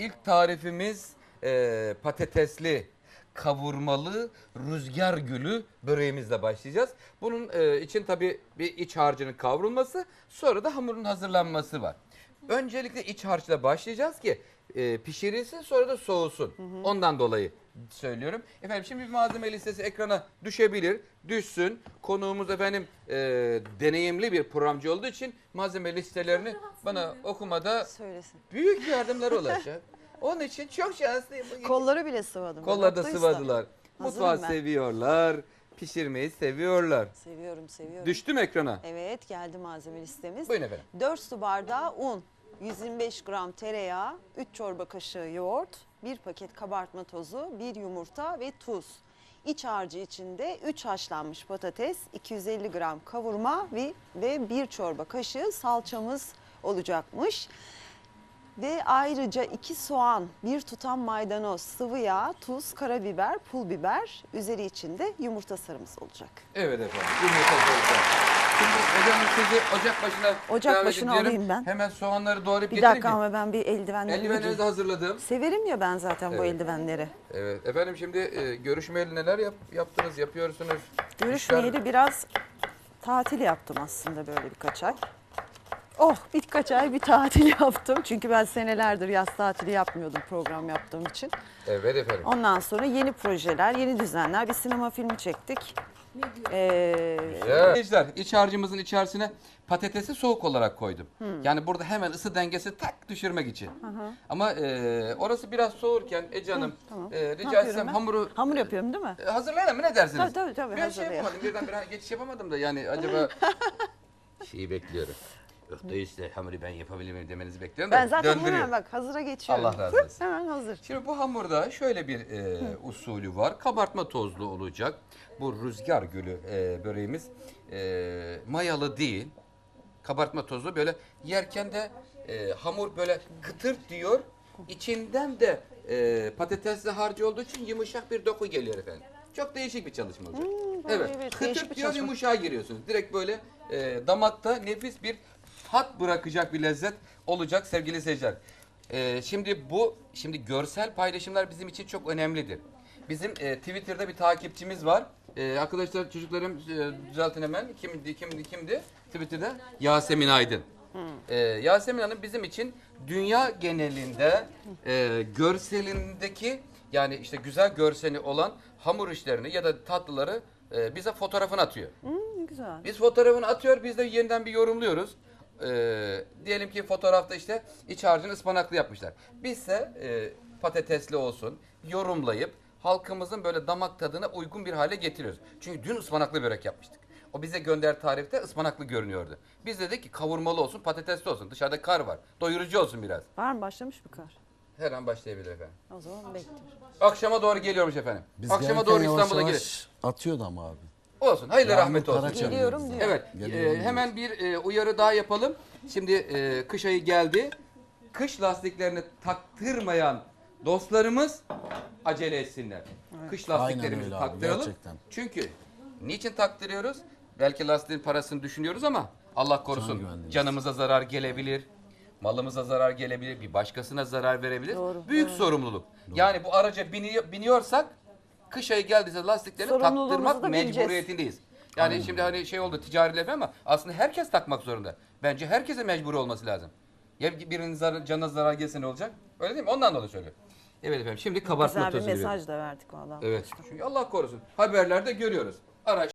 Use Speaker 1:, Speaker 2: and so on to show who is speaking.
Speaker 1: ilk tarifimiz patatesli, kavurmalı rüzgar gülü böreğimizle başlayacağız. Bunun için tabii bir iç harcının kavrulması, sonra da hamurun hazırlanması var. Öncelikle iç harçla başlayacağız ki pişirilsin, sonra da soğusun. Ondan dolayı söylüyorum. Efendim şimdi bir malzeme listesi ekrana düşebilir. Düşsün. Konuğumuz efendim deneyimli bir programcı olduğu için malzeme listelerini bana okumada
Speaker 2: Söylesin.
Speaker 1: büyük yardımları olacak. Onun için çok şanslıyım.
Speaker 2: Kolları bile sıvadım.
Speaker 1: Kolları da
Speaker 2: Haklıysa.
Speaker 1: sıvadılar.
Speaker 2: Hazırım
Speaker 1: Mutfağı
Speaker 2: ben.
Speaker 1: seviyorlar. Pişirmeyi seviyorlar.
Speaker 2: Seviyorum.
Speaker 1: Düştü mü ekrana?
Speaker 2: Evet, geldi malzeme listemiz.
Speaker 1: Buyurun efendim.
Speaker 2: 4 su bardağı un, 125 gram tereyağı, 3 çorba kaşığı yoğurt, 1 paket kabartma tozu, 1 yumurta ve tuz. İç harcı içinde 3 haşlanmış patates, 250 gram kavurma ve 1 çorba kaşığı salçamız olacakmış. Ve ayrıca 2 soğan, 1 tutam maydanoz, sıvı yağ, tuz, karabiber, pul biber, üzeri içinde yumurta sarımız olacak.
Speaker 1: Evet efendim. Yumurta olacak. Şimdi hocam sizi ocak başına
Speaker 2: Ocak
Speaker 1: davet
Speaker 2: başına
Speaker 1: ediyorum.
Speaker 2: alayım ben.
Speaker 1: Hemen soğanları doğrayıp
Speaker 2: Bir
Speaker 1: getireyim
Speaker 2: dakika
Speaker 1: mi?
Speaker 2: ama ben bir eldivenlerimi
Speaker 1: Eldivenleri de
Speaker 2: giyeyim.
Speaker 1: hazırladım.
Speaker 2: Severim ya ben zaten bu
Speaker 1: Evet.
Speaker 2: eldivenleri.
Speaker 1: Evet efendim şimdi görüşmeyeli neler yaptınız, yapıyorsunuz?
Speaker 2: Görüşmeyeli biraz tatil yaptım aslında böyle birkaç ay. Oh, birkaç ay bir tatil yaptım. Çünkü ben senelerdir yaz tatili yapmıyordum program yaptığım için.
Speaker 1: Evet efendim.
Speaker 2: Ondan sonra yeni projeler, yeni düzenler. Bir sinema filmi çektik.
Speaker 1: Arkadaşlar iç harcımızın içerisine patatesi soğuk olarak koydum. Yani burada hemen ısı dengesi tak düşürmek için. Ama orası biraz soğurken Ece Hanım
Speaker 2: tamam.
Speaker 1: rica
Speaker 2: yapıyorum
Speaker 1: etsem
Speaker 2: ben?
Speaker 1: hamuru
Speaker 2: Hamur yapıyorum değil mi?
Speaker 1: hazırlayalım mı, ne dersiniz?
Speaker 2: Tabii,
Speaker 1: Ben şey
Speaker 2: hazırlayalım.
Speaker 1: yapamadım, birden bir geçiş yapamadım da yani acaba şeyi bekliyorum. Yok da işte hamuru ben yapabilir miyim demenizi bekliyorum da
Speaker 2: Ben zaten
Speaker 1: döndürüyor.
Speaker 2: hemen bak hazıra geçiyorum.
Speaker 1: Allah razı olsun.
Speaker 2: Hemen hazır.
Speaker 1: Şimdi bu hamurda şöyle bir usulü var. Kabartma tozlu olacak. Bu rüzgar gülü böreğimiz mayalı değil. Kabartma tozlu, böyle yerken de hamur böyle kıtır diyor. İçinden de patatesli harcı olduğu için yumuşak bir doku geliyor efendim. Çok değişik bir çalışma olacak. Evet.
Speaker 2: evet,
Speaker 1: Kıtır
Speaker 2: değişik bir
Speaker 1: diyor,
Speaker 2: çalışma.
Speaker 1: yumuşağa giriyorsunuz. Direkt böyle damakta nefis bir tat bırakacak bir lezzet olacak sevgili seyirciler. Şimdi görsel paylaşımlar bizim için çok önemlidir. Bizim Twitter'da bir takipçimiz var. Arkadaşlar, çocuklarım düzeltin hemen. Kimdi? Twitter'da Yasemin Aydın. Yasemin Hanım bizim için dünya genelinde görselindeki, yani işte güzel görseli olan hamur işlerini ya da tatlıları bize fotoğrafını atıyor.
Speaker 2: Güzel.
Speaker 1: Biz fotoğrafını atıyor, biz de yeniden bir yorumluyoruz. Diyelim ki fotoğrafta işte iç harcını ıspanaklı yapmışlar. Bizse patatesli olsun yorumlayıp halkımızın böyle damak tadına uygun bir hale getiriyoruz. Çünkü dün ıspanaklı börek yapmıştık. O bize gönder tarifte ıspanaklı görünüyordu. Biz dedik ki kavurmalı olsun, patatesli olsun. Dışarıda kar var. Doyurucu olsun biraz.
Speaker 2: Var mı, başlamış mı kar?
Speaker 1: Her an başlayabilir efendim.
Speaker 2: O zaman bekliyorum.
Speaker 1: Akşama doğru geliyormuş efendim.
Speaker 3: Biz
Speaker 1: Akşama
Speaker 3: gelirken
Speaker 1: doğru
Speaker 3: yavaş
Speaker 1: İstanbul'a
Speaker 3: yavaş
Speaker 1: gelir.
Speaker 3: atıyordu ama abi.
Speaker 1: Olsun. Hayırlı
Speaker 3: Yağmur
Speaker 1: rahmet olsun.
Speaker 3: Karaçam
Speaker 2: Geliyorum
Speaker 3: diyor
Speaker 2: diyor.
Speaker 3: bize.
Speaker 1: Evet,
Speaker 3: Geliyorum
Speaker 1: hemen bir uyarı daha yapalım. Şimdi kış ayı geldi. Kış lastiklerini taktırmayan dostlarımız acele etsinler. Kış lastiklerimizi
Speaker 3: öyle abi,
Speaker 1: taktıralım.
Speaker 3: gerçekten.
Speaker 1: Çünkü niçin taktırıyoruz? Belki lastiğin parasını düşünüyoruz ama Allah
Speaker 3: Can
Speaker 1: korusun
Speaker 3: güvenliğimiz.
Speaker 1: canımıza zarar gelebilir. Malımıza zarar gelebilir, bir başkasına zarar verebilir.
Speaker 2: Doğru,
Speaker 1: Büyük sorumluluk. Yani bu araca biniyorsak kış ayı geldiyse lastiklerini
Speaker 2: Sorumluluğumuzu
Speaker 1: taktırmak
Speaker 2: da bileceğiz.
Speaker 1: mecburiyetindeyiz. Yani şimdi hani şey oldu, ticari laf ama aslında herkes takmak zorunda. Bence herkese mecbur olması lazım. Ya birinin canına zarar gelse ne olacak? Öyle değil mi? Ondan dolayı söylüyorum. Evet efendim, şimdi kabartma
Speaker 2: Güzel bir
Speaker 1: tozu veriyorum.
Speaker 2: mesaj da verdik vallahi.
Speaker 1: Evet. Çünkü Allah korusun haberlerde görüyoruz. Araç